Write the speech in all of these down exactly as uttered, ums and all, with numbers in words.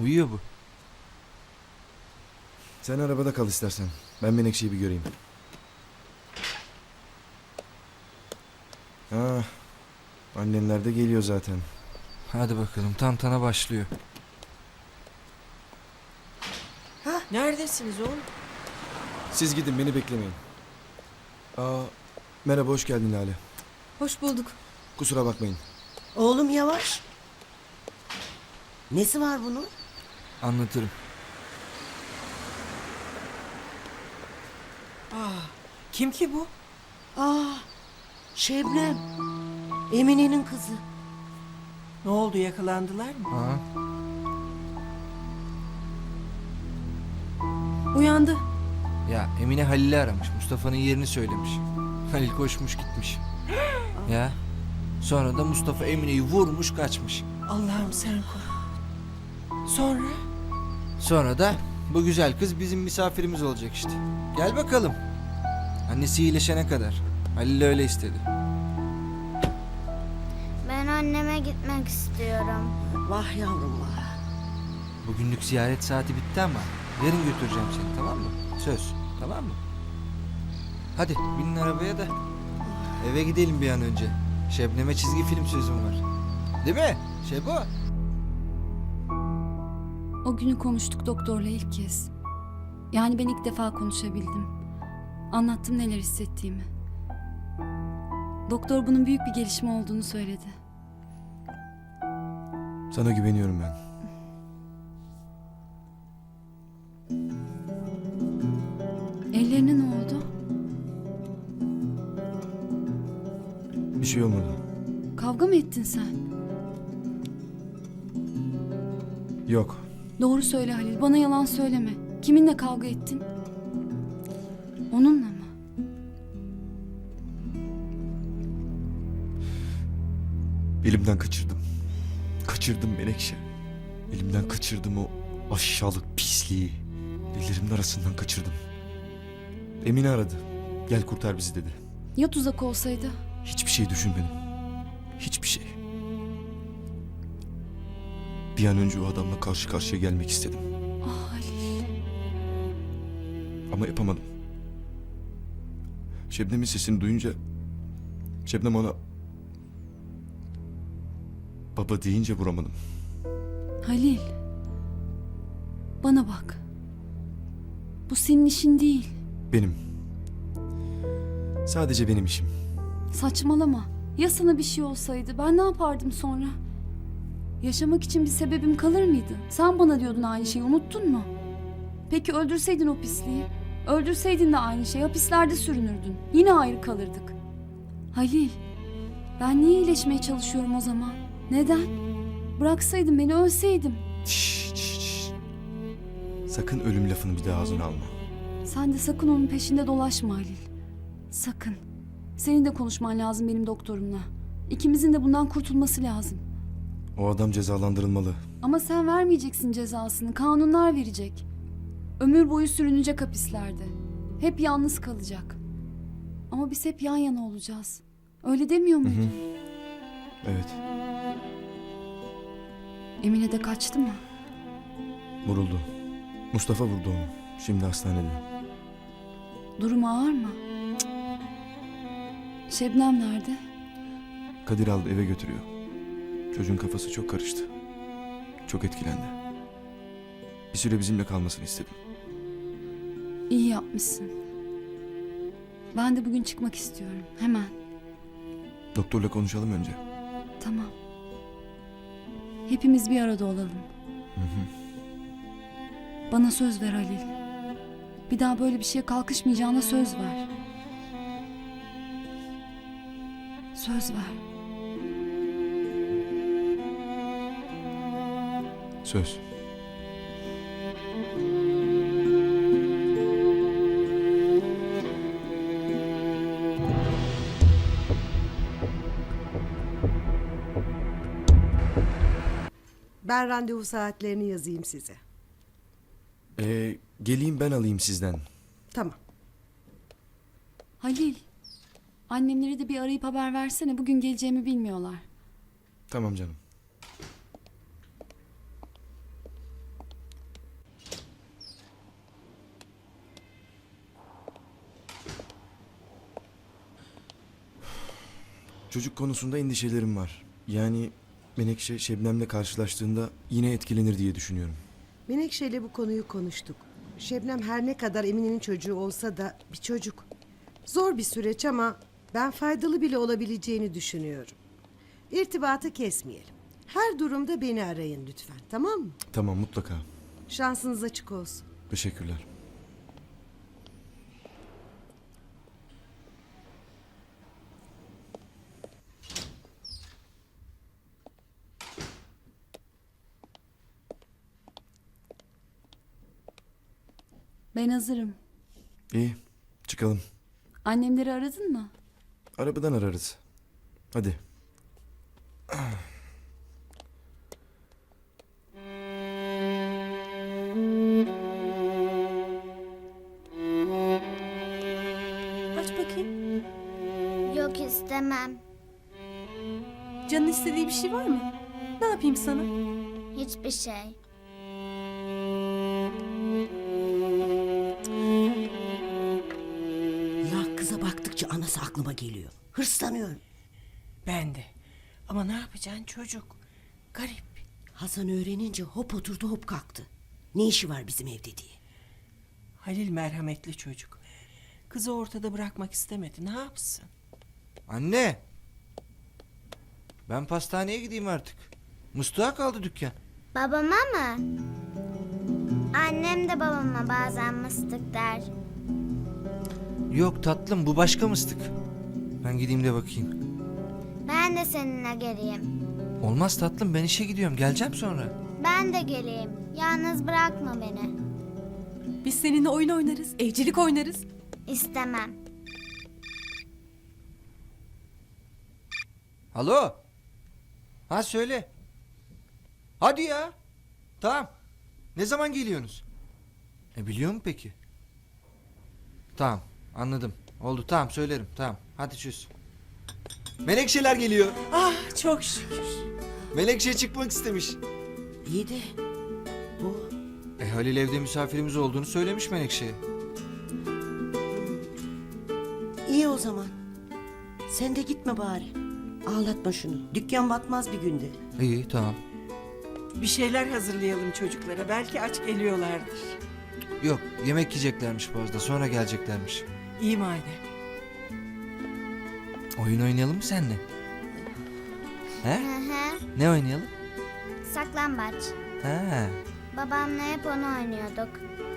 Uyuyor bu. Sen arabada kal istersen. Ben Menekşe'yi bir göreyim. Ha, annenler de geliyor zaten. Hadi bakalım, tantana başlıyor. Neredesiniz oğlum? Siz gidin, beni beklemeyin. Aa, merhaba, hoş geldin Lale. Hoş bulduk. Kusura bakmayın. Oğlum yavaş. Nesi var bunun? Anlatırım. Kim ki bu? Aa, Şebnem. Emine'nin kızı. Ne oldu, yakalandılar mı? Ha? Uyandı. Ya Emine Halil'i aramış. Mustafa'nın yerini söylemiş. Halil koşmuş gitmiş. Ya. Sonra da Mustafa Emine'yi vurmuş kaçmış. Allah'ım sen koru. Sonra? Sonra da bu güzel kız bizim misafirimiz olacak işte. Gel bakalım. Annesi iyileşene kadar. Halil öyle istedi. Ben anneme gitmek istiyorum. Vah yavrum vah. Bugünlük ziyaret saati bitti ama yarın götüreceğim seni, tamam mı? Söz, tamam mı? Hadi binin arabaya da eve gidelim bir an önce. Şebnem'e çizgi film sözüm var. Değil mi Şebo? O günü konuştuk doktorla ilk kez. Yani ben ilk defa konuşabildim. Anlattım neler hissettiğimi. Doktor bunun büyük bir gelişme olduğunu söyledi. Sana güveniyorum ben. Ellerine ne oldu? Bir şey olmadı. Kavga mı ettin sen? Yok. Doğru söyle Halil, bana yalan söyleme. Kiminle kavga ettin? Onunla mı? Elimden kaçırdım. Kaçırdım Menekşe. Elimden kaçırdım o aşağılık pisliği. Ellerimin arasından kaçırdım. Emine aradı. Gel kurtar bizi dedi. Ya tuzak olsaydı? Hiçbir şey düşünmedim. Hiçbir şey. Bir an önce o adamla karşı karşıya gelmek istedim. Ah Halil. Ama yapamadım. Şebnem'in sesini duyunca... Şebnem ona... Baba deyince vuramadım. Halil. Bana bak. Bu senin işin değil. Benim. Sadece benim işim. Saçmalama. Ya sana bir şey olsaydı ben ne yapardım sonra? Yaşamak için bir sebebim kalır mıydı? Sen bana diyordun aynı şeyi, unuttun mu? Peki öldürseydin o pisliği? Öldürseydin de aynı şey, hapislerde sürünürdün. Yine ayrı kalırdık. Halil, ben niye iyileşmeye çalışıyorum o zaman? Neden? Bıraksaydın beni, ölseydim. Şşş, şşş, şşş. Sakın ölüm lafını bir daha ağzına alma. Sen de sakın onun peşinde dolaşma Halil. Sakın. Senin de konuşman lazım benim doktorumla. İkimizin de bundan kurtulması lazım. O adam cezalandırılmalı. Ama sen vermeyeceksin cezasını. Kanunlar verecek. Ömür boyu sürünecek hapislerde. Hep yalnız kalacak. Ama biz hep yan yana olacağız. Öyle demiyor muydun? Hı hı. Evet. Emine de kaçtı mı? Vuruldu. Mustafa vurdu onu. Şimdi hastanede. Durumu ağır mı? Cık. Şebnem nerede? Kadir aldı, eve götürüyor. Çocuğun kafası çok karıştı. Çok etkilendi. Bir süre bizimle kalmasını istedim. İyi yapmışsın. Ben de bugün çıkmak istiyorum. Hemen. Doktorla konuşalım önce. Tamam. Hepimiz bir arada olalım. Hı hı. Bana söz ver Halil. Bir daha böyle bir şeye kalkışmayacağına söz ver. Söz ver. Söz. Ben randevu saatlerini yazayım size. Ee, geleyim ben alayım sizden. Tamam. Halil. Annemleri de bir arayıp haber versene. Bugün geleceğimi bilmiyorlar. Tamam canım. Çocuk konusunda endişelerim var. Yani Menekşe Şebnem'le karşılaştığında yine etkilenir diye düşünüyorum. Menekşe'yle bu konuyu konuştuk. Şebnem her ne kadar Emine'nin çocuğu olsa da bir çocuk. Zor bir süreç ama ben faydalı bile olabileceğini düşünüyorum. İrtibatı kesmeyelim. Her durumda beni arayın lütfen, tamam mı? Tamam, mutlaka. Şansınız açık olsun. Teşekkürler. Ben hazırım. İyi, çıkalım. Annemleri aradın mı? Arabadan ararız. Hadi. Aç bakayım. Yok istemem. Canın istediği bir şey var mı? Ne yapayım sana? Hiçbir şey. Ya kıza baktıkça anası aklıma geliyor. Hırslanıyorum. Ben de. Ama ne yapacaksın çocuk? Garip. Hasan öğrenince hop oturdu hop kalktı. Ne işi var bizim evde diye. Halil merhametli çocuk. Kızı ortada bırakmak istemedi. Ne yapsın? Anne. Ben pastaneye gideyim artık. Mıstığa kaldı dükkan. Babama mı? Annem de babama bazen mıstık der. Yok tatlım, bu başka mıstık. Ben gideyim de bakayım. Ben de seninle geleyim. Olmaz tatlım, ben işe gidiyorum. Geleceğim sonra. Ben de geleyim. Yalnız bırakma beni. Biz seninle oyun oynarız, evcilik oynarız. İstemem. Alo. Ha söyle. Hadi ya. Tamam. Ne zaman geliyorsunuz? E biliyor mu peki? Tamam, anladım. Oldu, tamam söylerim. Tamam. Hadi çöz. Menekşeler geliyor. Ah çok şükür. Menekşe çıkmak istemiş. İyi de bu E Halil evde misafirimiz olduğunu söylemiş Menekşe'ye. iyi o zaman. Sen de gitme bari. Ağlatma şunu. Dükkan batmaz bir günde. İyi, tamam. Bir şeyler hazırlayalım çocuklara. Belki aç geliyorlardır. Yok, yemek yiyeceklermiş Boğaz'da. Sonra geleceklermiş. İyi madem. Oyun oynayalım mı seninle? He? Hı hı. Ne oynayalım? Saklambaç. Ha. Babamla hep onu oynuyorduk.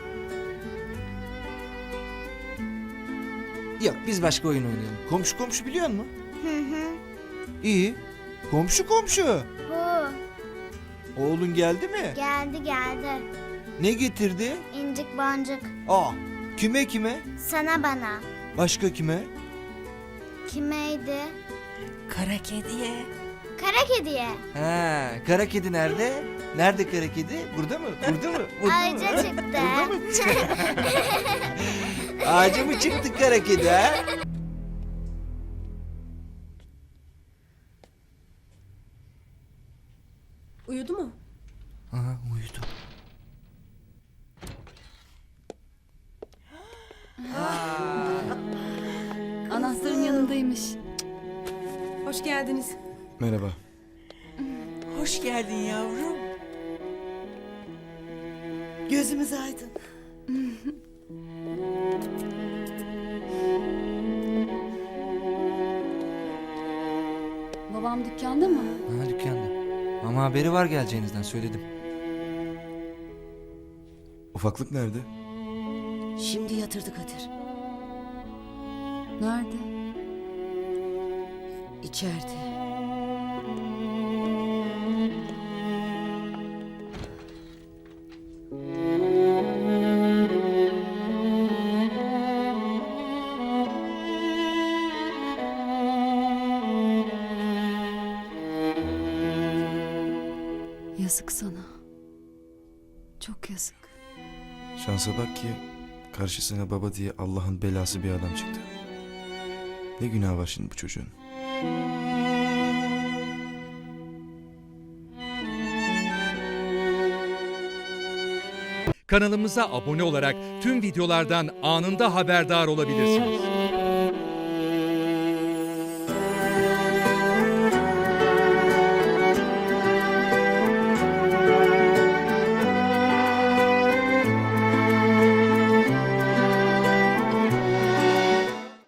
Yok, biz başka oyun oynayalım. Komşu komşu biliyor musun? Hı hı. İyi. Komşu komşu. Bu. Oğlun geldi mi? Geldi geldi. Ne getirdi? İncik boncuk. Aa, kime kime? Sana bana. Başka kime? Kimeydi? Kara kediye. Kara kediye. Ha, kara kedi nerede? Nerede kara kedi? Burada mı? Burada mı? Burada Ağaca mı? çıktı. Burada mı? Ağaca mı çıktı kara kedi ha? Uyudu mu? Aha, uyudu. Anahtarın yanındaymış. Hoş geldiniz. Merhaba. Hoş geldin yavrum. Gözümüz aydın. Babam dükkanda mı? Ha, dükkanda. Ama haberi var geleceğinizden, söyledim. Ufaklık nerede? Şimdi yatırdı Kadir. Nerede? İçeride. Yazık sana. Çok yazık. Şansa bak ki karşısına baba diye Allah'ın belası bir adam çıktı. Ne günah var şimdi bu çocuğun? Kanalımıza abone olarak tüm videolardan anında haberdar olabilirsiniz.